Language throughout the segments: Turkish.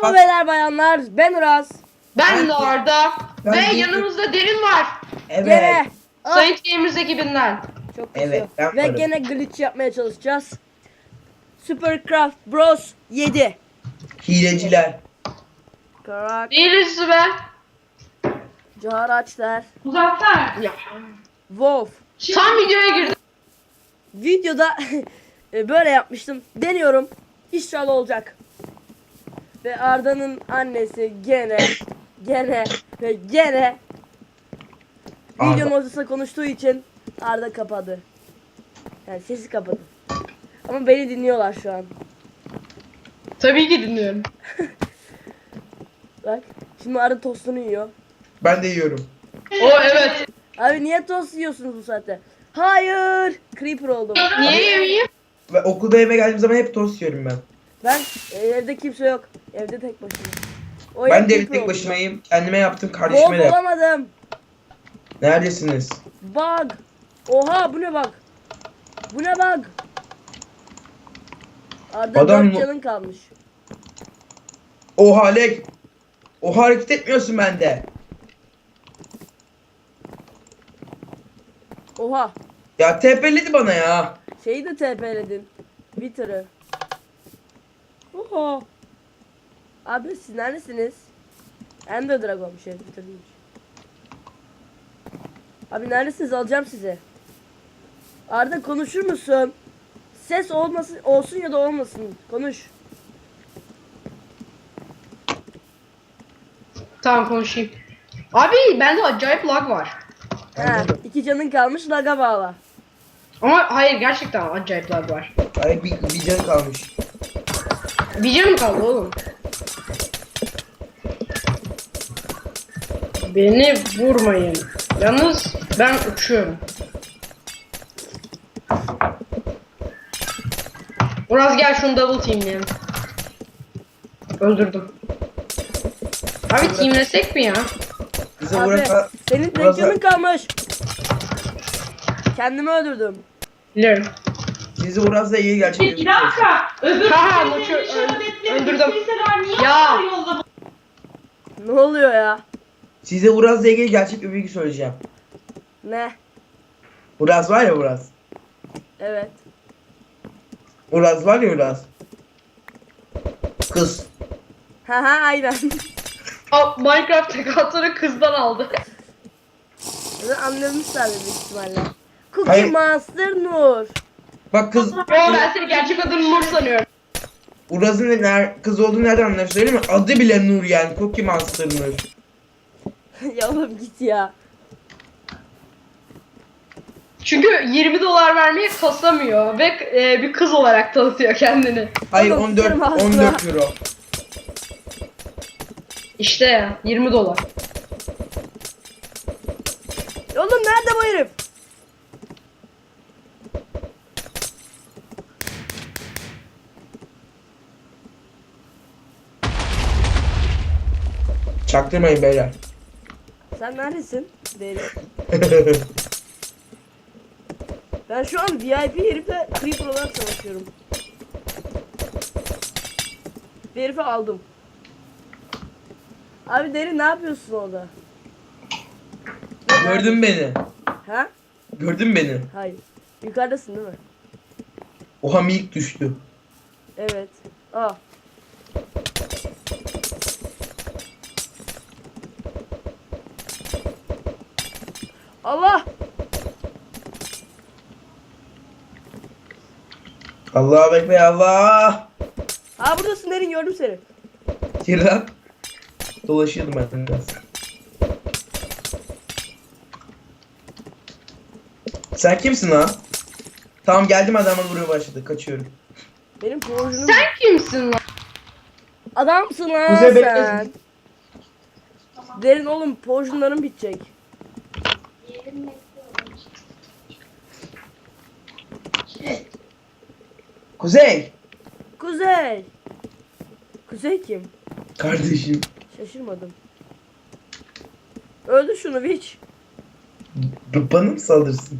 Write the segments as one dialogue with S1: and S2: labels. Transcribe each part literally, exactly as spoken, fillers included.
S1: Merhaba beyler bayanlar, ben Uraz.
S2: Ben de Arda.
S3: Ben
S2: Ve
S3: de-
S2: yanımızda Derin var.
S3: Evet.
S1: Gene ah,
S2: Sayın Gamers ekibinden.
S1: çok kızıyor.
S3: Evet, ben
S1: Ve
S3: varım.
S1: gene glitch yapmaya çalışacağız. Supercraft Bros yedi.
S3: Hileciler.
S1: Karak,
S2: Değiliz be.
S1: Caharaçlar,
S2: Muzaffer. Ya.
S1: Wolf.
S2: Tam videoya girdim.
S1: Videoda e, böyle yapmıştım. Deniyorum. İnşallah olacak. Ve Arda'nın annesi gene, gene ve gene
S3: Arda.
S1: videonun ortasında konuştuğu için Arda kapadı. Yani sesi kapadı. Ama beni dinliyorlar şu an.
S2: Tabii ki dinliyorum.
S1: Bak. Şimdi Arda tostunu yiyor.
S3: Ben de yiyorum.
S2: O evet.
S1: Abi niye tost yiyorsunuz bu saatte? Hayır. Creeper oldum.
S2: Niye yemeyeyim?
S3: Ve okulda eve geldiğim zaman hep tost yiyorum ben.
S1: Ben e, evde kimse yok. Evde tek başıma. O
S3: Ben
S1: ev
S3: de evde
S1: creeper
S3: tek
S1: oldu.
S3: başımayım. Kendime yaptım, kardeşime
S1: Bol
S3: de yaptım.
S1: bulamadım.
S3: Neredesiniz?
S1: Bug. Oha bu ne bug? Bu ne bug? Arda
S3: Adam
S1: dört
S3: mı-
S1: canın kalmış.
S3: Oha Lek. Oha hareket etmiyorsun bende.
S1: Oha.
S3: Ya tepeledi bana ya.
S1: Şeyi de TP'ledin. Twitter'ı. Oha. Abi siz neredesiniz? Ender Dragon şey Twitter değilmiş. Abi neredesiniz? Alacağım sizi. Arda konuşur musun? Ses olmasın, olsun ya da olmasın. Konuş.
S2: Tamam konuşayım. Abi bende acayip lag var.
S1: Ha, iki canın kalmış laga bağla.
S2: Ama hayır gerçekten acayip lag var.
S3: Ay bir, bir can kalmış.
S2: Bir canım kaldı oğlum. Beni vurmayın. Yalnız ben uçuyorum. Uraz gel şunu double teamleyelim. Öldürdüm. Abi teamlesek mi ya?
S3: Bize
S1: Abi
S3: burası...
S1: senin tek
S3: burası-
S1: canın kalmış. Kendimi öldürdüm.
S2: Biliyorum.
S3: Bizi Uraz'la iyi gerçekten.
S4: Bir dakika. Öbür
S2: Ha,
S4: türlü
S2: uçuyor-
S4: işaretleri
S2: öldürdüm.
S4: bilseler niye
S2: Ya.
S4: ya. Yolda
S1: Ne oluyor ya?
S3: Size Uraz'la ilgili gerçek bir bilgi söyleyeceğim.
S1: Ne?
S3: Uraz var ya Uraz.
S1: Evet.
S3: Uraz var ya Uraz. Kız.
S1: Ha ha aynen.
S2: Aa, Minecraft tekatları kızdan aldı.
S1: Zaten anlamışlar büyük ihtimalle. Cookie
S3: Hayır.
S1: Monster Nur.
S3: Bak kız.
S2: Yo ben seni gerçek adını Nur sanıyorum.
S3: Uraz'ın ne- ner- kız olduğunu nereden anlar söyleyeyim mi? Adı bile Nur yani. Cookie Monster Nur.
S1: Ya oğlum git ya.
S2: Çünkü yirmi dolar vermeye kasamıyor ve e, bir kız olarak tanıtıyor kendini.
S3: Hayır
S1: Oğlum,
S3: on dört,
S1: sikerim ağzına.
S3: on dört euro.
S2: İşte ya yirmi dolar.
S1: Oğlum nerede bu herif?
S3: Çaktırmayın beyler.
S1: Sen neredesin? Deli. Ben şu an V I P herifle Creeper olarak savaşıyorum. Bir herifi aldım. Abi Deri ne yapıyorsun orada?
S3: Gördün beni.
S1: Ha?
S3: Gördün beni.
S1: Hayır. Yukarıdasın değil mi?
S3: Oha minik düştü.
S1: Evet. Aa. Allah!
S3: Allahu Ekber Allah.
S1: Aa buradasın Derin, gördüm seni.
S3: Gir lan. Dolaşıyordum ben biraz. Sen kimsin lan? Tamam geldim adamla buraya başladı. Kaçıyorum.
S1: Benim projunum.
S2: Sen kimsin lan?
S1: Adamsın lan
S3: Kuzey
S1: sen.
S3: beklesin.
S1: Derin oğlum projunların bitecek.
S3: Kuzey.
S1: Kuzey. Kuzey kim?
S3: Kardeşim.
S1: Şaşırmadım. Öldür şunu Witch.
S3: B- Bana mı saldırsın?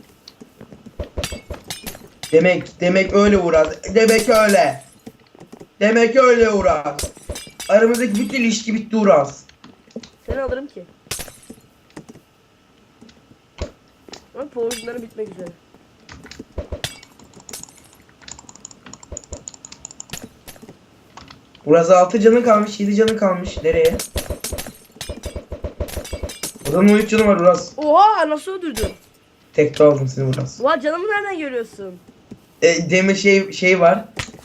S3: Demek demek öyle Uraz. Demek öyle. Demek öyle Uras. Aramızdaki bütün ilişki bitti Uras.
S1: Seni alırım ki. Ama power'ları bitmek üzere.
S3: Uras altı canın kalmış, yedi canın kalmış. Nereye? Uran'ın on üç canı var Uras.
S1: Oha nasıl öldürdün?
S3: Tekte aldım seni Uras.
S1: Oha canımı nereden görüyorsun?
S3: E, demir şey şey var.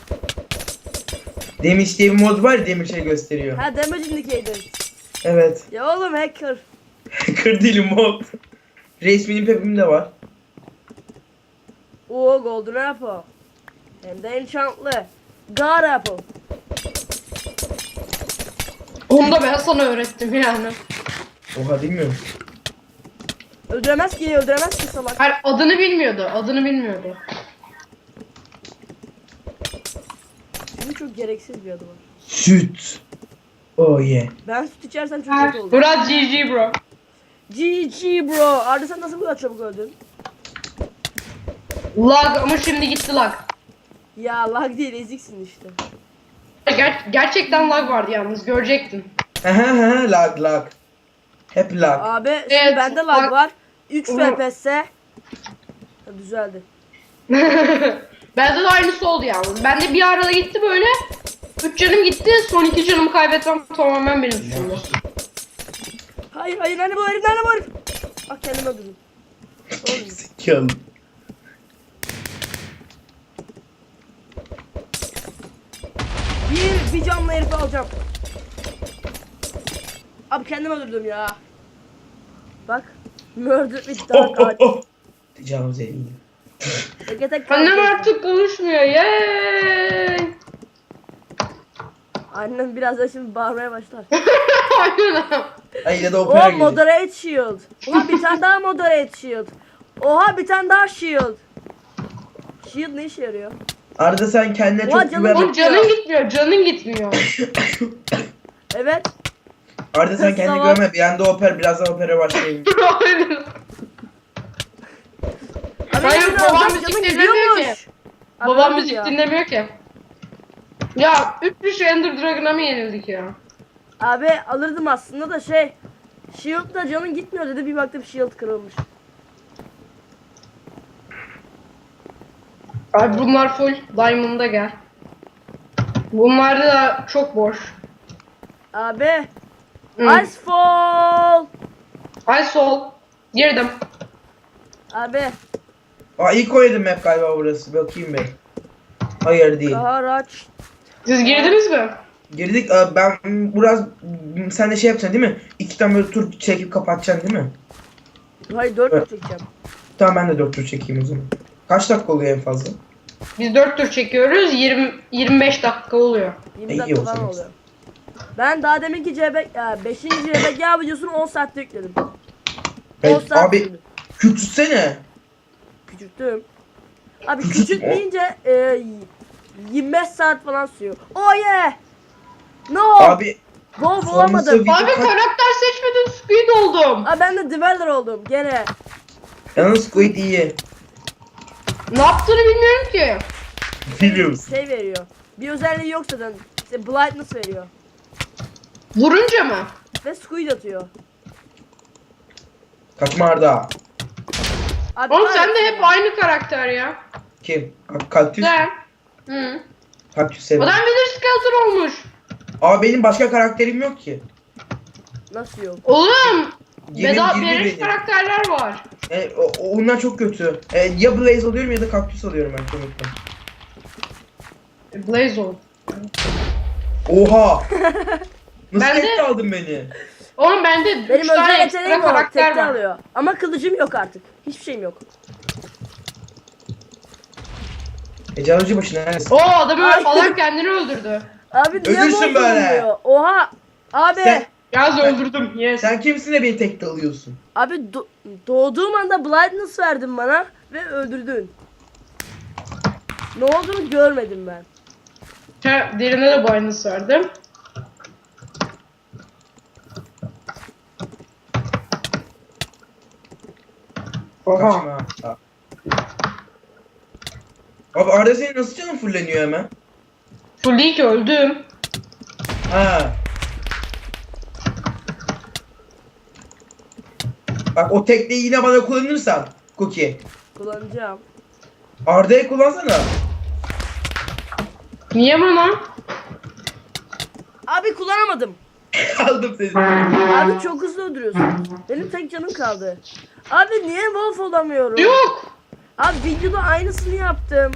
S3: Demir diye bir mod var ya, demir şey gösteriyor.
S1: Ha damage indicator.
S3: Evet.
S1: Ya oğlum hacker.
S3: Kır değilim mod. Resminin pepim de var.
S1: Oo golden apple. Hem de enchantlı. God apple.
S2: Onu da ben sana öğrettim yani.
S3: Oha bilmiyorum.
S1: Öldüremez ki öldüremez ki salak.
S2: Hayır adını bilmiyordu. Adını bilmiyordu.
S1: Çünkü çok gereksiz bir adı var.
S3: Süt. Oh yeah.
S1: Ben süt içersem çok kötü olur.
S2: Murat G G bro.
S1: G G bro. Arda sen nasıl bu kadar çabuk öldün?
S2: Lag ama şimdi gitti lag.
S1: Ya lag değil eziksin işte.
S2: Ger- gerçekten lag vardı yalnız görecektin.
S3: Aha lag lag. Hep lag.
S1: Abi şimdi
S2: Evet,
S1: bende lag
S2: lag-
S1: var. üç
S2: Onu-
S1: F P S. Ha, düzeldi.
S2: Bende de aynısı oldu yalnız. Bende bir arada gitti böyle. üç canım gitti. Son iki canımı kaybetmem tamamen benim suçumdu.
S1: Hayır hayır nerede bu herif nerede bu herif? Ah kendimi öldürdüm. Oğlum.
S3: Zekalı.
S1: Bir, bir canlı herifi alacağım. Abi kendimi öldürdüm ya. Bak. Murder with
S3: Oh
S1: dark
S3: oh
S1: art.
S3: oh. Tecavüz edildi.
S1: Tek tek
S2: Annem
S1: kaldı.
S2: artık konuşmuyor. Yeeey.
S1: Annem birazdan şimdi bağırmaya başlar.
S2: Aynen.
S3: Ay ya da opera
S1: Oh
S3: gelecek.
S1: moderate shield. Oha bir tane daha moderate shield. Oha bir tane daha shield. Shield ne işe yarıyor?
S3: Arada sen kendine
S1: Oha,
S3: çok
S1: canım
S3: güven.
S2: Oğlum canın gitmiyor. Canın gitmiyor.
S1: Evet.
S3: Arada sen kendine
S1: Tamam.
S3: güvenme. Bir anda opera, birazdan opera başlayayım.
S2: Aynen.
S1: Abi
S2: Hayır,
S1: şimdi
S2: babam
S1: alacağım,
S2: müzik
S1: canım
S2: dinlemiyor
S1: gidiyormuş.
S2: ki.
S1: Abi
S2: Babam
S1: öldüm
S2: müzik
S1: ya.
S2: dinlemiyor ki. Ya üç üç Ender Dragon'a mı yenildik ya?
S1: Abi alırdım aslında da şey. Shield'da canın gitmiyor dedi bir baktım shield kırılmış.
S2: Abi bunlar full Diamond'a gel. Bunlar da çok boş.
S1: Abi.
S2: Hı.
S1: Icefall.
S2: Ay sol. Girdim.
S1: Abi.
S3: Aa ilk oynadım hep galiba burası. Bakayım bir. Hayır değil.
S1: Karaç.
S2: Siz girdiniz mi?
S3: Girdik. Aa, ben biraz sen de şey yapacaksın değil mi? İki tane böyle tur çekip kapatacaksın değil mi?
S1: Hayır dört
S3: Evet.
S1: çekeceğim.
S3: Tamam ben de dört tur çekeyim o zaman. Kaç dakika oluyor en fazla?
S2: Biz dört tur çekiyoruz. yirmi yirmi beş dakika oluyor.
S1: yirmi
S3: İyi
S1: dakika
S3: o
S1: falan
S3: zaman.
S1: oluyor. Ben daha deminki C B ya beşinci C B G videosunu on saatte yükledim. on
S3: Evet,
S1: saat
S3: abi
S1: sürdü.
S3: küçülsene.
S1: Küçülttüm. Abi
S3: Küçült-
S1: küçültmeyince e, yirmi beş saat falan sürüyor. Oh yeah! No!
S3: Abi
S1: Bol
S3: sonrası
S1: bulamadım.
S3: video
S2: Abi
S3: kaç...
S2: karakter seçmeden Squid oldum.
S1: Abi ben de Dweller oldum gene.
S3: Yalnız Squid iyi.
S2: Ne yaptığını bilmiyorum ki.
S3: Biliyor musun?
S1: Şey veriyor. Bir özelliği yok zaten. İşte blindness veriyor.
S2: Vurunca mı?
S1: Ve squid atıyor.
S3: Kaçma Arda.
S1: Abi
S2: Oğlum sen de
S1: kahretsin
S2: hep
S1: ya.
S2: aynı karakter ya.
S3: Kim? Ka- Kaktüs.
S2: Sen. Hı.
S3: Kaktüs severim.
S2: Adam Wither Skeleton olmuş.
S3: Aa benim başka karakterim yok ki.
S1: Nasıl yok?
S2: Oğlum.
S3: Yemin
S2: Beda
S3: girdi
S2: beleş
S3: benim.
S2: karakterler var.
S3: E, o, o- onlar çok kötü. E, ya Blaze alıyorum ya da kaktüs alıyorum ben çoğunlukla.
S2: Blaze ol.
S3: Oha! Nasıl
S2: Ben de-
S3: tekte aldın beni?
S2: Oğlum bende
S1: Benim
S2: üç tane
S1: özel
S2: ekstra
S1: yeteneğim var.
S2: karakter
S1: Tekte
S2: var.
S1: alıyor. Ama kılıcım yok artık. Hiçbir şeyim yok.
S3: Tecavüzcü başı neredesin?
S2: Oo adamı
S1: Ay.
S2: adam kendini öldürdü.
S1: Abi niye
S3: Ölürsün
S1: bu
S3: böyle.
S1: olmuyor? Oha! Abi!
S3: Sen-
S2: Yaz öldürdüm. Yes.
S3: Sen kimsin de beni tekte alıyorsun?
S1: Abi do- doğduğum anda blindness verdin bana ve öldürdün. Ne olduğunu görmedim ben.
S2: Ha, derine de boynuz verdim. Oha.
S3: Kaçma. Aa. Abi Arda senin nasıl canın fulleniyor hemen?
S2: Full değil ki, öldüm.
S3: Ha. Bak o tekneyi yine bana kullanırsan Cookie.
S1: Kullanacağım.
S3: Arda'ya kullansana.
S2: Niye bana?
S1: Abi kullanamadım.
S3: Aldım seni.
S1: Abi çok hızlı öldürüyorsun. Benim tek canım kaldı. Abi niye wolf olamıyorum?
S2: Yok.
S1: Abi videoda aynısını yaptım.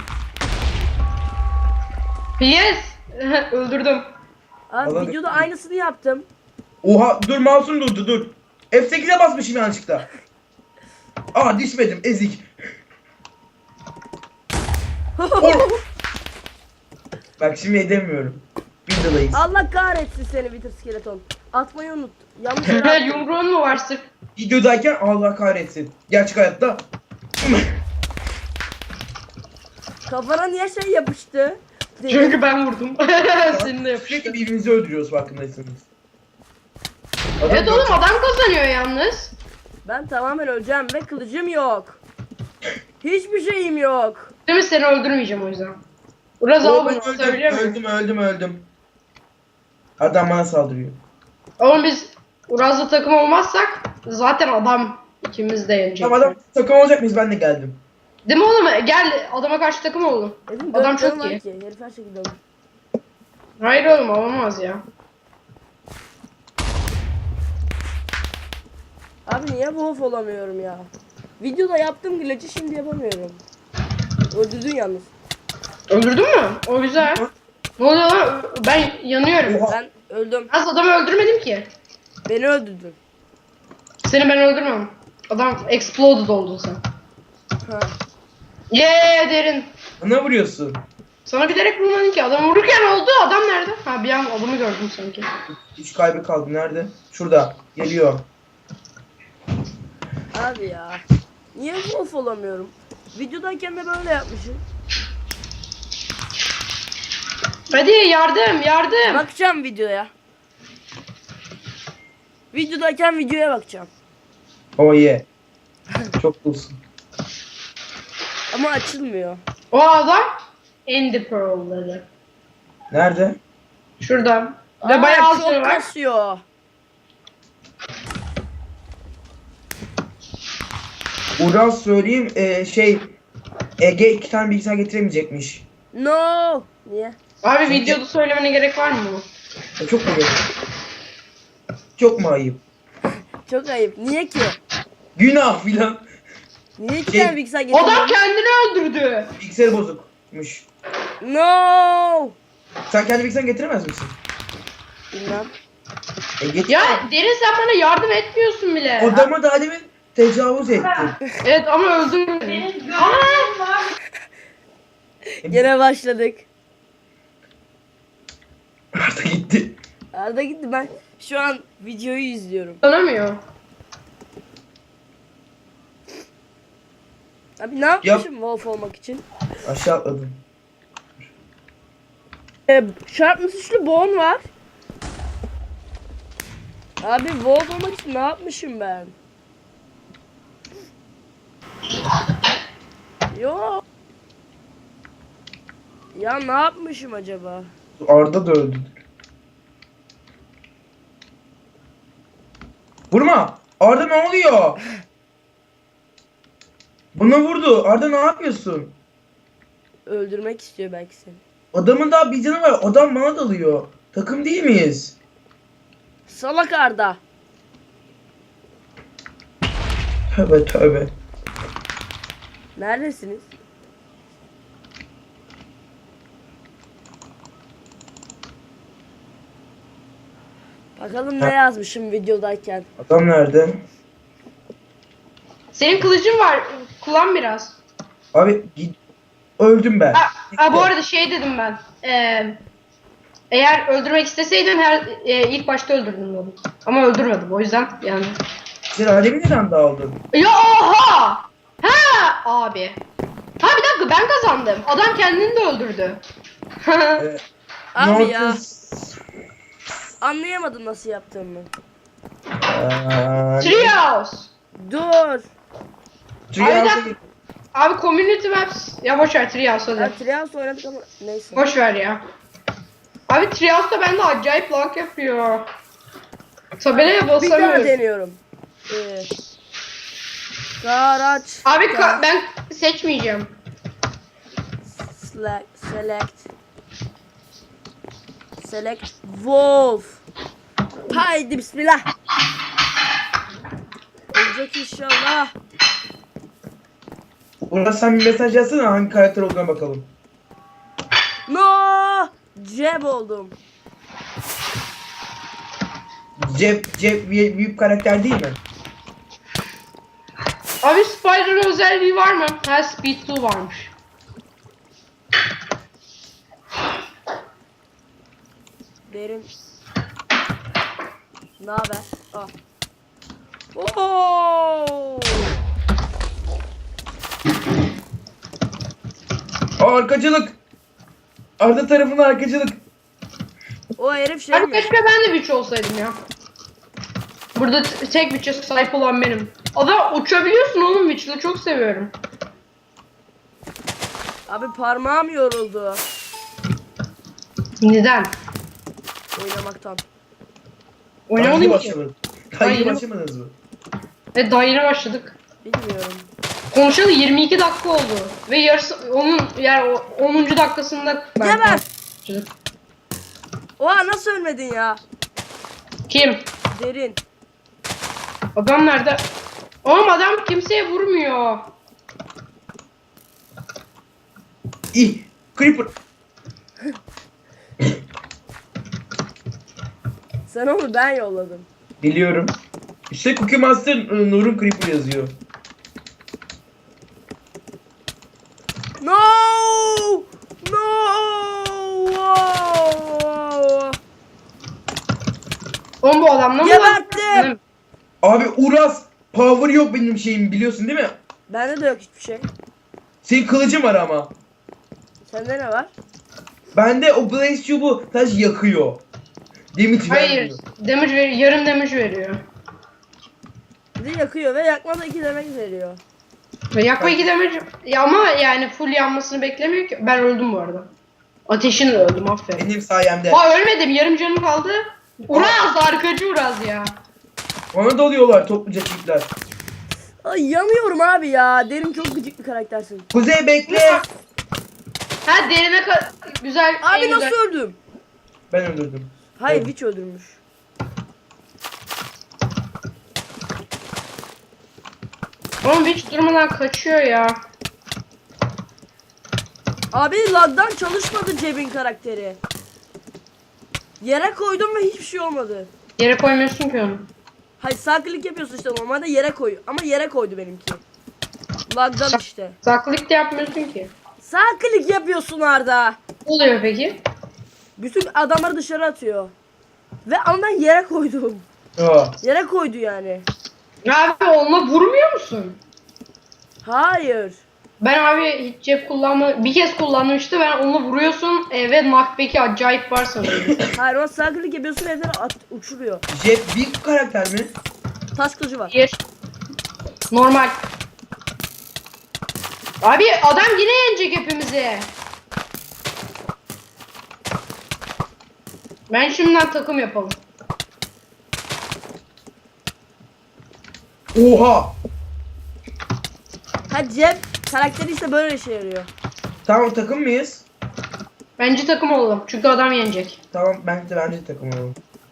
S2: Yes. Öldürdüm.
S1: Abi
S3: Vallahi-
S1: videoda aynısını yaptım.
S3: Oha dur mouse'um durdu dur. F sekize basmışım yanlışlıkla. Aa düşmedim ezik. Or- Bak şimdi edemiyorum. Videodayız.
S1: Allah kahretsin seni Wither Skeleton. Atmayı unut. Yanlış yere attım.
S2: Yumruğun mu var sırf?
S3: Videodayken Allah kahretsin. Gerçek hayatta.
S1: Kafana niye şey yapıştı?
S2: Çünkü ben vurdum. Seninle yapıştı.
S3: Sürekli birbirimizi öldürüyoruz farkındaysanız. Adam
S2: Evet oğlum, adam kazanıyor yalnız.
S1: Ben tamamen öleceğim ve kılıcım yok. Hiçbir şeyim yok.
S2: Değil mi, seni öldürmeyeceğim o yüzden. Biraz
S3: Oo,
S2: al
S3: ben
S2: bunu,
S3: öldüm,
S2: atabiliyor muyum?
S3: öldüm, öldüm, öldüm. Adam bana saldırıyor.
S2: Oğlum biz Uraz'la takım olmazsak zaten adam ikimiz de yenecek.
S3: Tamam adam takım olacak mıyız? Ben de geldim.
S2: Değil mi oğlum? Gel adama karşı takım olalım.
S1: Benim
S2: Adam
S1: dört canım
S2: çok
S1: var
S2: iyi.
S1: ki. Herif her şekilde olur.
S2: Hayır oğlum, olamaz ya.
S1: Abi niye wolf olamıyorum ya? Videoda yaptığım glitch'i şimdi yapamıyorum. Öldürdün yalnız.
S2: Öldürdün mü? O güzel. Ne oluyor lan? Ben yanıyorum.
S3: Oha.
S1: Ben öldüm.
S2: Az adamı öldürmedim ki.
S1: Beni öldürdün.
S2: Seni ben öldürmem. Adam exploded oldun sen.
S1: Ha.
S2: Yeee derin.
S3: Bana vuruyorsun.
S2: Sana bilerek vurmadın ki. Adam vururken oldu. Adam nerede? Ha, bir an adamı gördüm sanki.
S3: Üç kaybı kaldı. Nerede? Şurada. Geliyor.
S1: Abi ya. Niye wolf olamıyorum? Videodayken de böyle yapmışım.
S2: Hadi yardım yardım.
S1: Bakacağım videoya. Videodayken videoya bakacağım.
S3: Oh yeah. Çok coolsun.
S1: Ama açılmıyor.
S2: O adam Ender Pearl'ları.
S3: Nerede?
S2: Şurada. Ve
S1: Aa,
S2: bayağı
S1: çok
S2: azları var.
S1: kasıyor.
S3: Uraz söyleyeyim e, şey Ege iki tane bilgisayar getiremeyecekmiş.
S1: No. Niye?
S2: Abi videoda söylemene gerek var mı?
S3: E, çok mu gerek? Çok mu ayıp?
S1: Çok ayıp. Niye ki?
S3: Günah filan.
S1: Niye iki
S3: Şey,
S1: tane bilgisayar
S2: Adam
S1: getirmiyorsun?
S2: kendini öldürdü.
S3: Bilgisayarı bozukmuş.
S1: No.
S3: Sen kendi bilgisayarını getiremez misin?
S1: Bilmem.
S3: E, getir.
S2: Ya Derin, sen bana yardım etmiyorsun bile.
S3: Adama daha demin tecavüz ettin.
S2: Evet ama öldürmedin. Aa!
S1: Gene başladık.
S3: Arda gitti.
S1: Arda gitti, ben şu an videoyu izliyorum.
S2: Tanımıyor.
S1: Abi ne yapmışım wolf olmak için?
S3: Aşağı atladım.
S1: Ee, Sharpness üçlü bone var. Abi wolf olmak için ne yapmışım ben? Yo. Ya ne yapmışım acaba?
S3: Arda da öldü. Vurma! Arda ne oluyor? Bana vurdu. Arda ne yapıyorsun?
S1: Öldürmek istiyor belki seni.
S3: Adamın daha bir canı var. Adam bana dalıyor. Takım değil miyiz?
S1: Salak Arda.
S3: Tövbe tövbe.
S1: Neredesiniz? Bakalım ne
S3: Ha.
S1: yazmışım videodayken.
S3: Adam nerede?
S2: Senin kılıcın var. Kullan biraz.
S3: Abi git. Öldüm ben.
S2: Ha, ha bu arada şey dedim ben. Ee, eğer öldürmek isteseydin her e, ilk başta öldürdün onu. Ama öldürmedim o yüzden yani.
S3: Sen alemi neden daldın?
S2: Ya oha! Ha abi. Ha bir dakika, ben kazandım. Adam kendini de öldürdü.
S3: Ee,
S1: Abi ya.
S3: Nortus-
S1: Anlayamadım nasıl yaptığımı.
S3: Aa,
S2: Trios.
S1: Dur.
S3: Trials'a
S2: Abi,
S3: git.
S2: Abi community maps. Ya boş ver Trios hadi.
S1: Ya Trials oynadık ama neyse.
S2: Boş ver ya. Abi Trias da bende acayip lag yapıyor. Tabelaya
S1: Bir daha
S2: basamıyorum.
S1: deniyorum. Ee, Garaç.
S2: Abi ka- ben seçmeyeceğim.
S1: Select. Select. Select. Wolf. Haydi bismillah. Olacak inşallah.
S3: Uras sen bir mesaj yazsana hangi karakter olduğuna bakalım.
S1: No! Ceb oldum.
S3: Cep, cep bir büyük karakter değil mi?
S2: Abi Spider'ın özelliği var mı? Ha, Speed iki varmış.
S1: Derin. Ne haber? Ah. Oo!
S3: Aa, arkacılık. Arda tarafına arkacılık.
S1: O herif şey
S2: Abi
S1: mi?
S2: keşke ben de Witch olsaydım ya. Burada t- tek Witch'e sahip olan benim. Adam uçabiliyorsun oğlum, Witch'le çok seviyorum.
S1: Abi parmağım yoruldu
S2: Neden?
S1: oynamaktan.
S3: Daha yeni
S2: Oynamadın ki.
S3: başlamadınız. Daha yeni
S2: Hayır.
S3: başlamadınız mı?
S2: Ve daha yeni başladık.
S1: Bilmiyorum.
S2: Konuşalı yirmi iki dakika oldu. Ve yarısı onun yani o onuncu dakikasında ben
S1: Geber!
S2: başladık.
S1: Oha nasıl ölmedin ya?
S2: Kim?
S1: Derin.
S2: Adam nerede? Oğlum adam kimseye vurmuyor.
S3: İh. Creeper.
S1: Sen onu ben yolladım.
S3: Biliyorum. İşte Cookie Monster ıı, Nur'un Creeper yazıyor.
S1: No! No! Wow!
S2: Oğlum bu adamla mı
S1: Geberttim!
S2: lan?
S3: Abi Uras. Power yok benim şeyim biliyorsun değil mi?
S1: Bende de yok hiçbir şey.
S3: Senin kılıcın var ama.
S1: Sende ne var?
S3: Bende o Blaze Cube'u taş yakıyor. Damage
S2: Hayır.
S3: vermiyor.
S2: Damage ver yarım damage veriyor.
S1: Bir de yakıyor ve yakma da iki demek veriyor.
S2: Ve yakma iki damage ya ama yani full yanmasını beklemiyor ki. Ben öldüm bu arada. Ateşinle öldüm, aferin.
S3: Benim sayemde.
S2: Aa ölmedim, yarım canım kaldı. Uraz, arkacı Uraz ya.
S3: Ona dalıyorlar topluca çiftler.
S1: Ay yanıyorum abi ya. Derin çok gıcık bir karaktersin.
S3: Kuzey bekle.
S2: Ha derine ka- güzel.
S1: Abi
S2: en
S1: nasıl
S2: güzel.
S1: öldüm?
S3: Ben öldürdüm.
S1: Hayır
S3: Evet.
S1: Witch öldürmüş.
S2: Oğlum hiç durmadan kaçıyor ya.
S1: Abi lagdan çalışmadı Cebin karakteri. Yere koydum ve hiçbir şey olmadı.
S2: Yere koymuyorsun ki onu.
S1: Hayır sağ klik yapıyorsun işte normalde yere koy. Ama yere koydu benimki. Lagdan
S2: Sa-
S1: işte.
S2: Saklık da yapmıyorsun ki.
S1: Sağ klik yapıyorsun Arda.
S2: Ne oluyor peki?
S1: Bütün adamları dışarı atıyor. Ve ama ben yere koydum.
S3: Aa.
S1: Yere koydu yani.
S2: Abi onunla vurmuyor musun?
S1: Hayır.
S2: Ben abi hiç cep kullanma bir kez kullandım işte, ben onunla vuruyorsun e, ve knockback'i acayip var sanırım.
S1: Hayır o sağ klik yapıyorsun evden at, uçuruyor.
S3: Jet bir karakter mi?
S1: Taş kılıcı var.
S2: Bir. Normal. Abi adam yine yenecek hepimizi. Ben şimdiden takım yapalım.
S3: Oha.
S1: Ha Cem karakteri işte böyle işe yarıyor.
S3: Tamam takım mıyız?
S2: Bence takım olalım çünkü adam yenecek.
S3: Tamam bence bence takım olalım.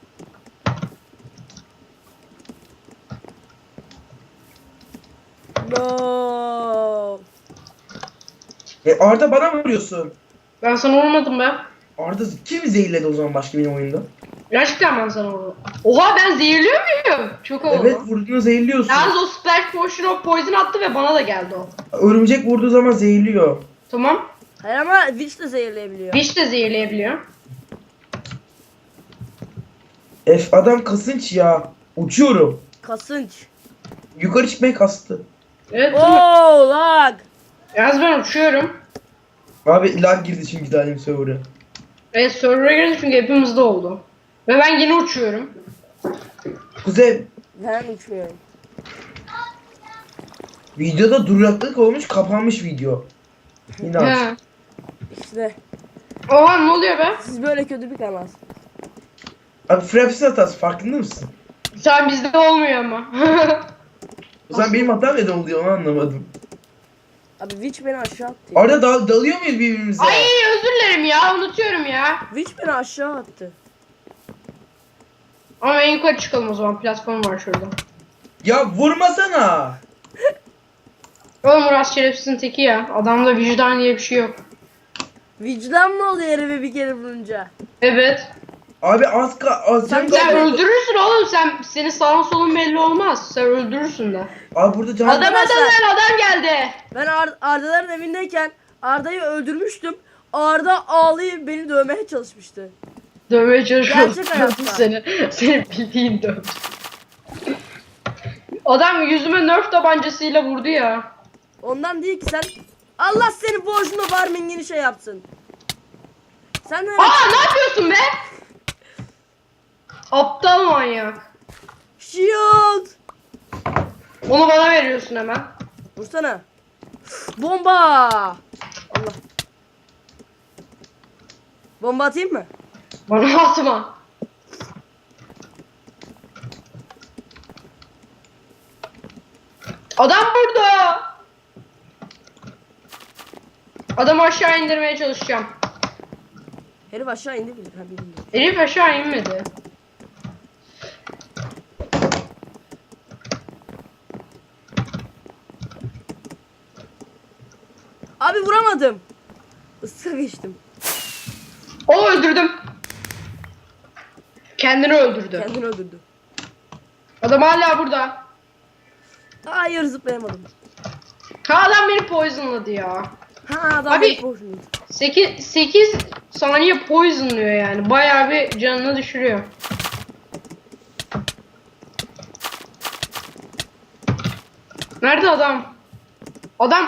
S1: No.
S3: E Arda bana mı vuruyorsun?
S2: Ben sana vurmadım be.
S3: Arda kim zehirledi o zaman başka benim oyunda?
S2: Gerçekten ben sana vurdum. Oha, ben zehirliyor muyum? Çok havalı.
S3: Evet vurduğunu zehirliyorsun.
S2: Yalnız o splash potion of poison attı ve bana da geldi o.
S3: Örümcek vurduğu zaman zehirliyor.
S2: Tamam.
S1: Hayır ama Witch de zehirleyebiliyor.
S2: Witch de zehirleyebiliyor.
S3: Ef adam kasınç ya. Uçuyorum.
S1: Kasınç.
S3: Yukarı çıkmaya kastı.
S2: Evet. tamam.
S1: Oo lag.
S2: Yalnız ben uçuyorum.
S3: Abi lag girdi çünkü dalim server'a.
S2: Evet, server'a girdi çünkü hepimizde oldu. Ve ben yine uçuyorum.
S3: Kuzey
S1: Ben uçmuyorum.
S3: videoda duraklık olmuş kapanmış video. Yine aç.
S2: He.
S1: İşte.
S2: Oha ne oluyor be?
S1: Siz böyle kötü bir kanal.
S3: Abi Fraps'in hatası farkında mısın?
S2: Sen bizde olmuyor ama.
S3: O zaman benim hatam neden oluyor onu anlamadım.
S1: Abi Witch beni aşağı attı.
S3: Orada dal dalıyor muyuz birbirimize?
S2: Ay özür dilerim ya unutuyorum ya.
S1: Witch beni aşağı attı.
S2: Ama en yukarı çıkalım o zaman, platform var şurada.
S3: Ya vurmasana.
S2: Oğlum Uras şerefsizin teki ya. Adamda vicdan diye bir şey yok.
S1: Vicdan mı oluyor herife bir kere vurunca?
S2: Evet.
S3: Abi az ka az
S1: Sen
S3: can
S2: Sen
S3: kaldı.
S2: öldürürsün oğlum, sen senin sağın solun belli olmaz. Sen öldürürsün de.
S3: Abi burada can
S2: Adam
S1: Arkadaşlar-
S2: adam adam geldi.
S1: Ben Ar- Arda'ların evindeyken Arda'yı öldürmüştüm. Arda ağlayıp beni dövmeye çalışmıştı.
S2: Dövmeye çalışıyorum.
S1: Gerçek hayatta.
S2: Seni, seni bildiğin dövdü. Adam yüzüme nerf tabancasıyla vurdu ya.
S1: Ondan değil ki sen... Allah seni borcunu farmingini şey yapsın. Sen de...
S2: Aa ne yapıyorsun be? Aptal manyak.
S1: Shield!
S2: Onu bana veriyorsun hemen.
S1: Vursana. Bomba! Allah. Bomba atayım mı?
S2: Bana atma. Adam burada. Adamı aşağı indirmeye çalışacağım.
S1: Herif aşağı indi bile. Ha, bilmiyorum.
S2: Herif aşağı inmedi.
S1: Abi vuramadım. Iska geçtim.
S2: O öldürdüm. Kendini öldürdü.
S1: Kendini öldürdü.
S2: Adam hala burada.
S1: Hayır zıplayamadım.
S2: Ha adam beni poisonladı ya.
S1: Ha adam
S2: Abi-
S1: beni boşluyor.
S2: sekiz, sekiz saniye poisonluyor yani. Bayağı bir canını düşürüyor. Nerede adam? Adam.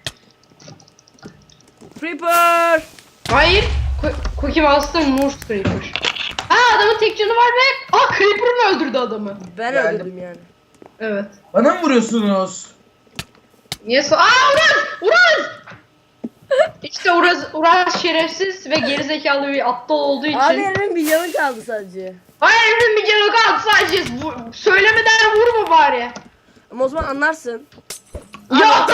S1: Creeper!
S2: Hayır. Ku- Cookie Monster Moose Creeper. Ha adamın tek canı var ve aa Creeper mı öldürdü adamı?
S1: Ben
S3: Geldim.
S1: öldürdüm yani.
S2: Evet.
S3: Bana mı vuruyorsunuz?
S2: Niye so- Aa Uraz! Uraz! İşte Uraz, Uraz şerefsiz ve gerizekalı bir aptal olduğu için.
S1: Abi herifin bir yanı kaldı sadece.
S2: Hayır herifin bir canı kaldı sadece. Bu- söylemeden vurma bari.
S1: Ama o zaman anlarsın.
S2: Ya!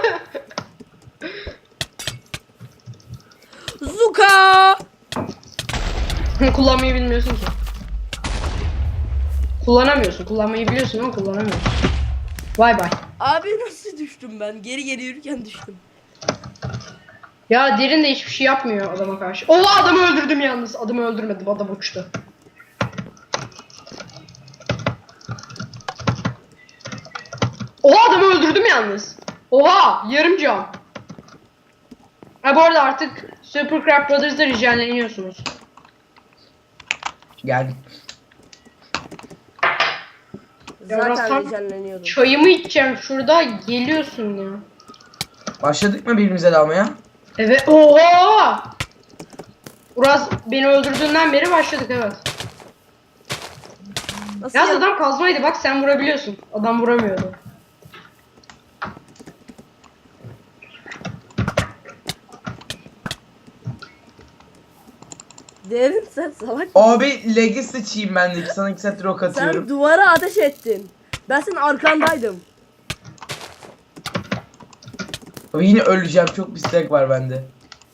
S1: Zuka!
S2: Kullanmayı bilmiyorsun ki. Kullanamıyorsun. Kullanmayı biliyorsun ama kullanamıyorsun. Vay bay.
S1: Abi nasıl düştüm ben? Geri geri yürürken düştüm.
S2: Ya derin de hiçbir şey yapmıyor adama karşı. Oha adamı öldürdüm yalnız. Adamı öldürmedim. Adam uçtu. Oha adamı öldürdüm yalnız. Oha yarım can. Ha bu arada artık Super Crab Brothers'da ricanleniyorsunuz.
S3: Geldik.
S2: Ya biraz
S1: Zaten
S2: tam-
S1: heyecanlanıyordum.
S2: Çayımı içeceğim şurada geliyorsun ya.
S3: Başladık mı birbirimize dalmaya?
S2: Evet. Oha! Uraz beni öldürdüğünden beri başladık evet.
S1: Nasıl
S2: Yalnız
S1: ya?
S2: adam kazmaydı bak sen vurabiliyorsun. Adam vuramıyordu.
S1: Derin sen salak.
S3: Abi leg'i sıçayım ben de. Sana iki saattir ok atıyorum.
S1: Sen duvara ateş ettin. Ben senin arkandaydım.
S3: Abi yine öleceğim. Çok bir lag var bende.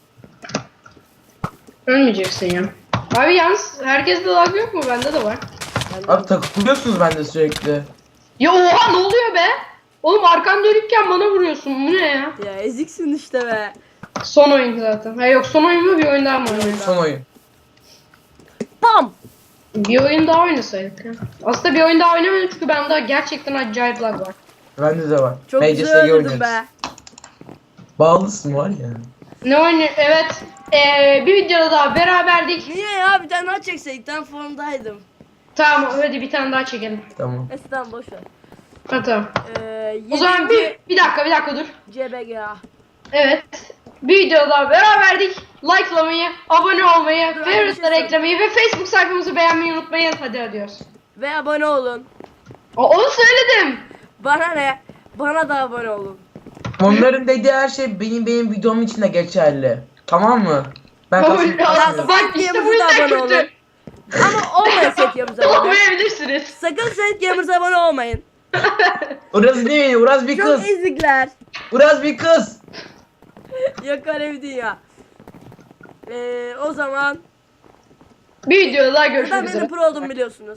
S2: Ölmeyeceksin ya. Abi yalnız herkeste lag yok mu? Bende de var.
S1: Ben de-
S3: Abi takılıyorsunuz bende sürekli.
S2: Ya oha ne oluyor be? Oğlum arkan dönükken bana vuruyorsun. Bu ne ya?
S1: Ya eziksin işte be.
S2: Son oyun zaten. Ha yok son oyun mu bir oyun daha mı oynuyoruz?
S3: Son oyun.
S1: Bam!
S2: Bir oyun daha oynasaydık ya. Aslında bir oyun daha oynamadım çünkü bende gerçekten acayip lag var.
S3: Bende de var.
S1: Çok
S3: Major
S1: güzel
S3: Sega
S1: öldürdün
S3: oynuyoruz.
S1: be.
S3: Bağlısın var ya.
S2: Ne oynuyor? Evet. Ee, bir videoda daha beraberdik.
S1: Niye ya? Bir tane daha çekseydik. Ben formdaydım.
S2: Tamam hadi bir tane daha çekelim.
S3: Tamam.
S1: Neyse tamam boş ver.
S2: Ha tamam.
S1: Ee,
S2: O zaman bir, bir dakika bir dakika dur.
S1: C B G A.
S2: Evet. Bir videoda daha beraberdik. Likelamayı, abone olmayı,
S1: Dur,
S2: favorite'ları
S1: arkadaşlar.
S2: eklemeyi ve Facebook sayfamızı beğenmeyi unutmayın. Hadi adiyoruz.
S1: Ve abone olun.
S2: Aa, onu söyledim.
S1: Bana ne? Bana da abone olun.
S3: Onların dediği her şey benim benim videom için de geçerli. Tamam mı?
S4: Ben
S2: Kabul
S4: kasmayı
S2: lazım.
S4: kasmıyorum.
S2: Bak işte bu
S1: Videomuza da
S2: yüzden
S1: abone
S2: kötü.
S1: olun. Ama olmayın Set Gamers'a abone.
S2: Olmayabilirsiniz.
S1: Sakın Set Gamers'a abone olmayın.
S4: Uraz değil, Uraz bir
S1: Çok
S4: kız.
S1: ezikler.
S4: Uraz bir kız.
S1: Yok öyle bir dünya. Ee, o zaman
S2: Bir videoda daha
S1: neden
S2: görüşmek
S1: benim
S2: üzere.
S1: pro olduğumu biliyorsunuz.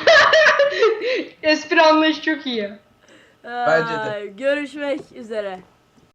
S2: Espri anlayışı çok iyi.
S4: Bence de.
S1: Ay, görüşmek üzere.